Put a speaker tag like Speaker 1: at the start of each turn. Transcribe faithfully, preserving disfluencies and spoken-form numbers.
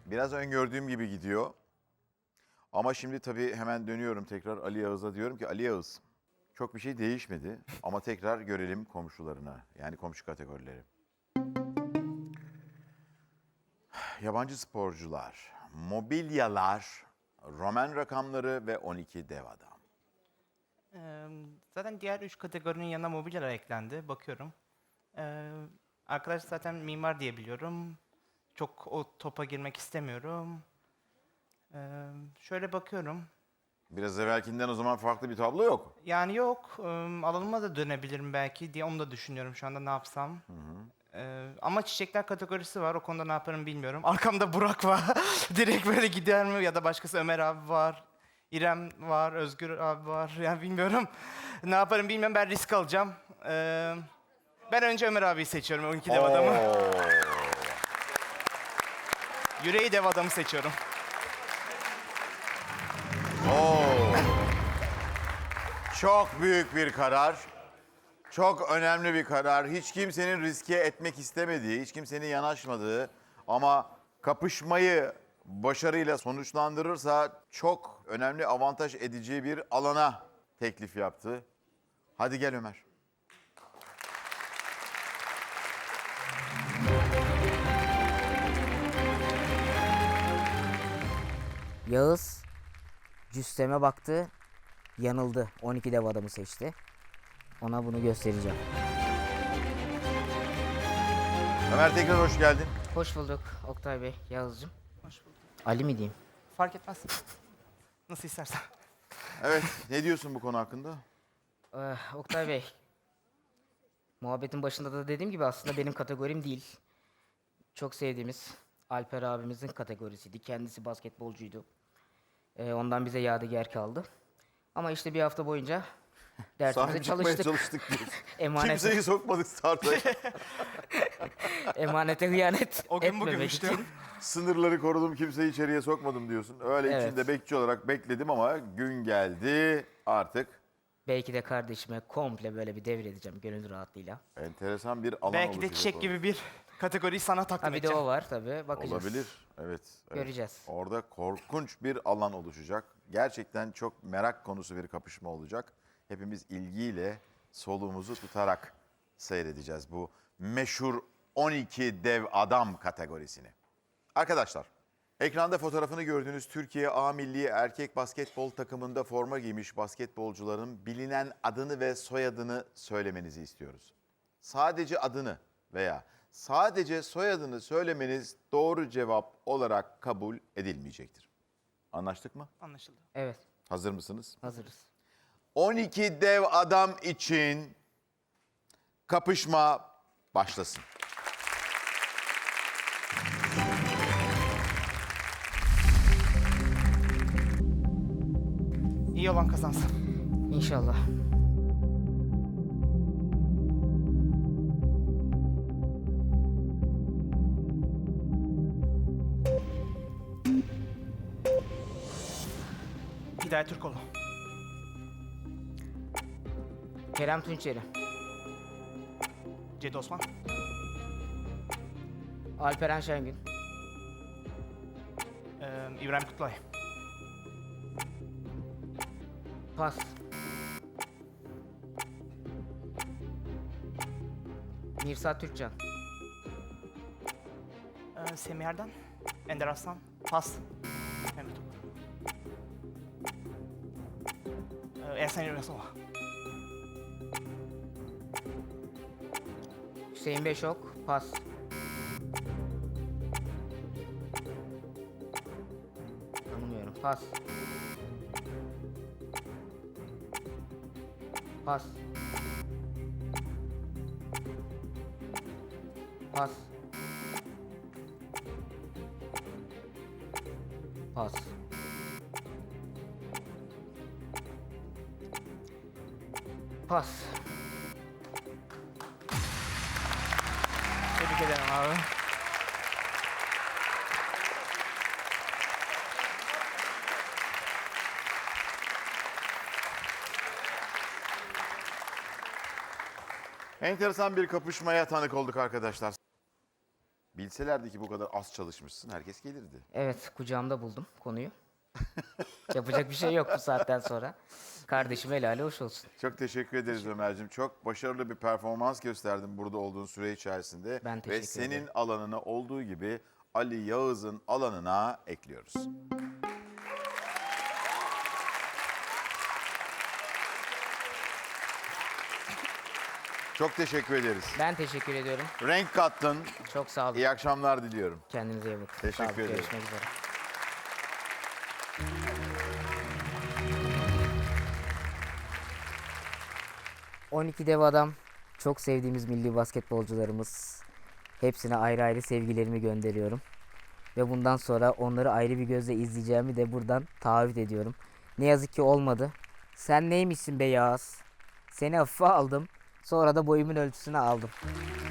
Speaker 1: Biraz öngördüğüm gibi gidiyor. Ama şimdi tabii hemen dönüyorum tekrar Ali Yağız'a, diyorum ki Ali Yağız, çok bir şey değişmedi ama tekrar görelim komşularına, yani komşu kategorileri. Yabancı sporcular, mobilyalar, Roman rakamları ve on iki dev adam.
Speaker 2: Ee, zaten diğer üç kategorinin yanına mobilyalar eklendi. Bakıyorum. Ee, arkadaş zaten mimar diye biliyorum. Çok o topa girmek istemiyorum. Ee, şöyle bakıyorum.
Speaker 1: Biraz evvelkinden o zaman farklı bir tablo yok.
Speaker 2: Yani yok. E, alanıma da dönebilirim belki diye onu da düşünüyorum şu anda ne yapsam. Ee, ama çiçekler kategorisi var. O konuda ne yaparım bilmiyorum. Arkamda Burak var. Direkt böyle gider mi? Ya da başkası Ömer abi var. İrem var. Özgür abi var. Yani bilmiyorum. Ne yaparım bilmiyorum. Ben risk alacağım. Ee, ben önce Ömer abiyi seçiyorum. on iki dev adamı.
Speaker 1: Oo.
Speaker 2: Yüreği dev adamı seçiyorum.
Speaker 1: Oo. Çok büyük bir karar. Çok önemli bir karar. Hiç kimsenin riske etmek istemediği, hiç kimsenin yanaşmadığı ama kapışmayı başarıyla sonuçlandırırsa çok önemli avantaj edeceği bir alana teklif yaptı. Hadi gel Ömer.
Speaker 3: Yağız cüsseme baktı, yanıldı. on iki dev adamı seçti. Ona bunu göstereceğim.
Speaker 1: Ömer tekrar hoş geldin.
Speaker 3: Hoş bulduk Oktay Bey, Yağız'cığım.
Speaker 2: Hoş bulduk.
Speaker 3: Ali mi diyeyim?
Speaker 2: Fark etmez. Nasıl istersen.
Speaker 1: Evet, ne diyorsun bu konu hakkında?
Speaker 3: Ee, Oktay Bey, muhabbetin başında da dediğim gibi aslında benim kategorim değil. Çok sevdiğimiz Alper abimizin kategorisiydi. Kendisi basketbolcuydu. Ee, ondan bize yadigar kaldı. Ama işte bir hafta boyunca dersimize
Speaker 1: Sahip çıkmaya
Speaker 3: çalıştık.
Speaker 1: çalıştık diyorsun.
Speaker 3: Emanete,
Speaker 1: Kimseyi sokmadık starta.
Speaker 3: emanete hıyanet
Speaker 2: O gün
Speaker 3: etmemek
Speaker 2: bugünmüştü.
Speaker 3: için.
Speaker 1: Sınırları korudum, kimseyi içeriye sokmadım diyorsun. Öyle
Speaker 3: Evet.
Speaker 1: içinde bekçi olarak bekledim ama gün geldi artık.
Speaker 3: Belki de kardeşime komple böyle bir devredeceğim gönül rahatlığıyla.
Speaker 1: Enteresan bir alan
Speaker 2: Belki de
Speaker 1: oluşacak
Speaker 2: çiçek
Speaker 1: orada.
Speaker 2: gibi bir kategoriyi sana takdim
Speaker 3: Ha bir de
Speaker 2: edeceğim.
Speaker 3: o var tabii. Bakacağız.
Speaker 1: Olabilir. Evet, evet.
Speaker 3: Göreceğiz.
Speaker 1: Orada korkunç bir alan oluşacak. Gerçekten çok merak konusu bir kapışma olacak. Hepimiz ilgiyle soluğumuzu tutarak seyredeceğiz bu meşhur on iki dev adam kategorisini. Arkadaşlar, ekranda fotoğrafını gördüğünüz Türkiye A Milli Erkek Basketbol takımında forma giymiş basketbolcuların bilinen adını ve soyadını söylemenizi istiyoruz. Sadece adını veya sadece soyadını söylemeniz doğru cevap olarak kabul edilmeyecektir. Anlaştık mı?
Speaker 2: Anlaşıldı.
Speaker 3: Evet,
Speaker 1: Hazır mısınız?
Speaker 3: hazırız.
Speaker 1: on iki dev adam için kapışma başlasın.
Speaker 2: İyi olan kazansın.
Speaker 3: İnşallah.
Speaker 2: Hidayet Türkoğlu.
Speaker 3: Kerem Tunçeri,
Speaker 2: Cedi Osman.
Speaker 3: Alperen Şengün,
Speaker 2: Ee, İbrahim Kutlay.
Speaker 3: Pas, Mirsat Türkcan,
Speaker 2: Ee, Semih Erdem. Ender Aslan. Pas. Mehmet Topal. Ee, Ersan Yurasova.
Speaker 3: Hüseyin Beşok, pas. Tanımıyorum, pas. Pas. Pas. Pas. Pas.
Speaker 2: Tebrik ederim abi.
Speaker 1: Enteresan bir kapışmaya tanık olduk arkadaşlar. Bilseniz bilselerdi ki bu kadar az çalışmışsın herkes gelirdi.
Speaker 3: Evet, kucağımda buldum konuyu. Yapacak bir şey yok bu saatten sonra. Kardeşim helali hoş olsun.
Speaker 1: Çok teşekkür ederiz Ömer'cim. Çok başarılı bir performans gösterdin burada olduğun süre içerisinde.
Speaker 3: Ben
Speaker 1: Ve
Speaker 3: teşekkür
Speaker 1: senin
Speaker 3: ederim.
Speaker 1: alanına olduğu gibi Ali Yağız'ın alanına ekliyoruz. Çok teşekkür ederiz.
Speaker 3: Ben teşekkür ediyorum.
Speaker 1: Renk kattın.
Speaker 3: Çok sağ olun.
Speaker 1: İyi akşamlar diliyorum.
Speaker 3: Kendinize iyi bakın.
Speaker 1: Teşekkür
Speaker 3: Sağ olun,
Speaker 1: ederim.
Speaker 3: Görüşmek üzere. on iki dev adam, çok sevdiğimiz milli basketbolcularımız. Hepsine ayrı ayrı sevgilerimi gönderiyorum. Ve bundan sonra onları ayrı bir gözle izleyeceğimi de buradan taahhüt ediyorum. Ne yazık ki olmadı. Sen neymişsin be Yağız? Seni hafife aldım. Sonra da boyumun ölçüsünü aldım.